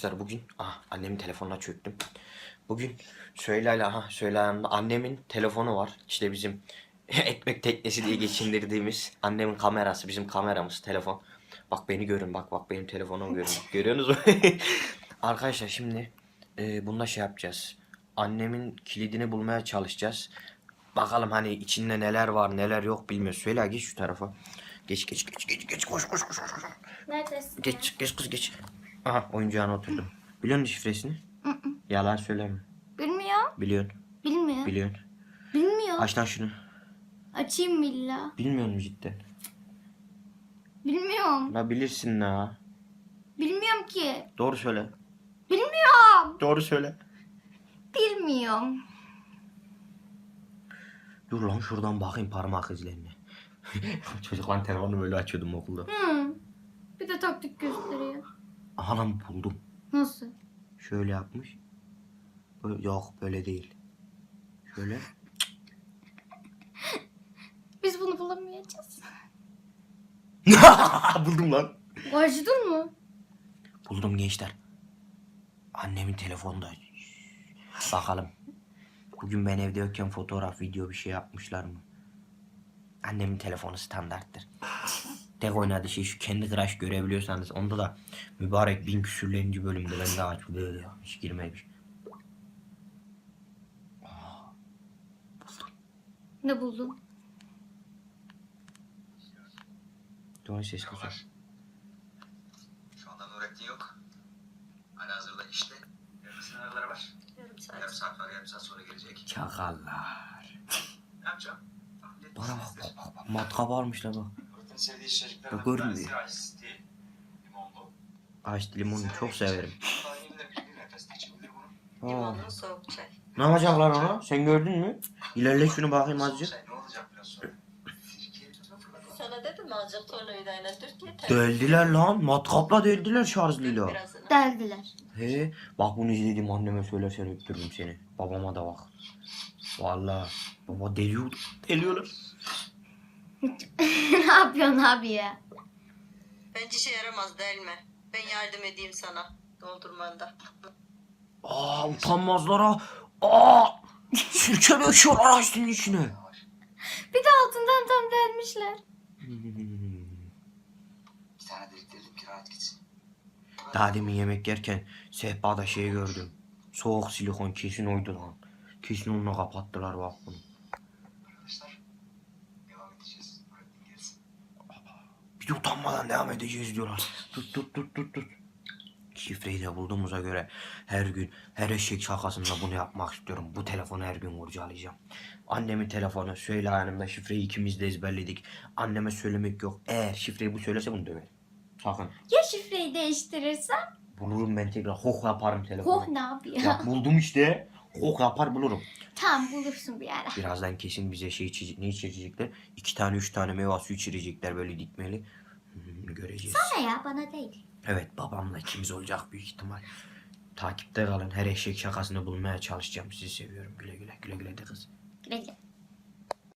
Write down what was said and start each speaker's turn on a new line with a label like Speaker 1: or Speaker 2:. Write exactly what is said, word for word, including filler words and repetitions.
Speaker 1: Arkadaşlar bugün ah, annemin telefonuna çöktüm. Bugün Süheyla'yla aha Süheyla'nın annemin telefonu var. İşte bizim ekmek teknesi diye geçindirdiğimiz annemin kamerası, bizim kameramız telefon. Bak beni görün, bak bak benim telefonumu görün. Görüyorsunuz mu? Arkadaşlar şimdi e, bunda şey yapacağız. Annemin kilidini bulmaya çalışacağız. Bakalım hani içinde neler var neler yok bilmiyoruz. Süheyla geç şu tarafa. Geç geç geç geç geç koş koş koş koş.
Speaker 2: Neredesin?
Speaker 1: Geç geç kız geç. Aha oyuncağına oturdum. Biliyor musun şifresini? Yalan söyleme.
Speaker 2: Bilmiyor.
Speaker 1: Biliyorsun.
Speaker 2: Bilmiyor.
Speaker 1: Biliyorsun.
Speaker 2: Bilmiyor.
Speaker 1: Aç lan şunu.
Speaker 2: Açayım mı illa?
Speaker 1: Bilmiyor musun cidden?
Speaker 2: Bilmiyorum.
Speaker 1: La bilirsin la.
Speaker 2: Bilmiyorum ki.
Speaker 1: Doğru söyle.
Speaker 2: Bilmiyorum.
Speaker 1: Doğru söyle.
Speaker 2: Bilmiyorum.
Speaker 1: Dur lan şuradan bakayım parmak izlerine. Çocukların telefonunu böyle açıyordum okulda.
Speaker 2: Hı. Bir de taktik gösteriyor.
Speaker 1: Aha lan buldum.
Speaker 2: Nasıl?
Speaker 1: Şöyle yapmış. Böyle, yok böyle değil. Şöyle.
Speaker 2: Biz bunu bulamayacağız.
Speaker 1: Buldum lan.
Speaker 2: Acıdın mı?
Speaker 1: Buldum gençler. Annemin telefonunda. Bakalım. Bugün ben evde yokken fotoğraf, video bir şey yapmışlar mı? Annemin telefonu standarttır. Tek oynadığı şey şu kendi Crush görebiliyorsanız onda da mübarek bin küsürlerinci bölümde ben daha aç böyle ya. Hiç girmemiş. Aa, buldum.
Speaker 2: Ne buldun?
Speaker 1: Doğru ses kısıyor.
Speaker 3: Şu anda Nurettin yok. Halihazırda işte. Yarın sınavları var. Yarım saat. Yarım saat var. Yarım saat sonra gelecek.
Speaker 1: Çakallar.
Speaker 3: Ne yapacağım?
Speaker 1: Bana bak bak bak. bak. Matkap almışlar bak.
Speaker 3: Nurettin'in sevdiği içeceklerden
Speaker 1: Bak,
Speaker 3: bir
Speaker 1: görmüyor.
Speaker 3: tanesi ice tea. Limonlu.
Speaker 1: Ayşe limonunu çok severim.
Speaker 3: Daha yeni de bir nefeste içebilir bunu.
Speaker 1: Aa.
Speaker 4: Limonlu soğuk çay.
Speaker 1: Ne yapacaklar ona? Sen gördün mü? İlerle şunu bakayım azıcık.
Speaker 3: Sen ne olacak biraz sonra? Sirkeyi tuzuna fırlatalım.
Speaker 4: Sana dedim mi azıcık tornavidayla dört yeter.
Speaker 1: Deldiler lan. Matkapla deldiler şarjlıyla.
Speaker 4: Birazını.
Speaker 2: Deldiler.
Speaker 1: He, bak bunu izledim anneme söylersen öptürürüm seni. Babama da bak. Vallahi baba deliyor. Deliyorlar.
Speaker 2: Ne yapıyorsun abi ya?
Speaker 4: Bence işe yaramaz değil mi? Ben yardım edeyim sana doldurmanda.
Speaker 1: Aa utanmazlara. Aa sirke döküyorlar açtığın içine.
Speaker 2: Bir de altından tam delmişler.
Speaker 3: Bir tane delikleyelim ki rahat gitsin.
Speaker 1: Daha demin yemek yerken sehpada şey gördüm. Soğuk silikon kesin oydu lan. Kesin onunla kapattılar bak bunu.
Speaker 3: Arkadaşlar devam edeceğiz. Nurettin gelsin.
Speaker 1: Bir de utanmadan devam edeceğiz diyorlar. Tut tut tut tut tut. Şifreyi de bulduğumuza göre her gün her eşek şakasında bunu yapmak istiyorum. Bu telefonu her gün kurcalayacağım. Annemin telefonu Süheyla Hanım'la şifreyi ikimiz de ezberledik. Anneme söylemek yok. Eğer şifreyi bu söylese bunu döverim. Sakın.
Speaker 2: Ya şifreyi değiştirirsen?
Speaker 1: Bulurum ben tekrar. Hok yaparım telefonu.
Speaker 2: Oh ne yapıyor?
Speaker 1: Ya buldum işte. Hok yapar bulurum.
Speaker 2: Tamam bulursun bir ara.
Speaker 1: Birazdan kesin bize şey içecek, ne içirecekler? İki tane üç tane meyve suyu içirecekler böyle dikmeli. Hmm, göreceğiz.
Speaker 2: Sana ya bana değil.
Speaker 1: Evet babamla ikimiz olacak büyük ihtimal. Takipte kalın. Her eşek şakasını bulmaya çalışacağım. Sizi seviyorum. Güle güle. Güle güle de kız.
Speaker 2: Güle güle.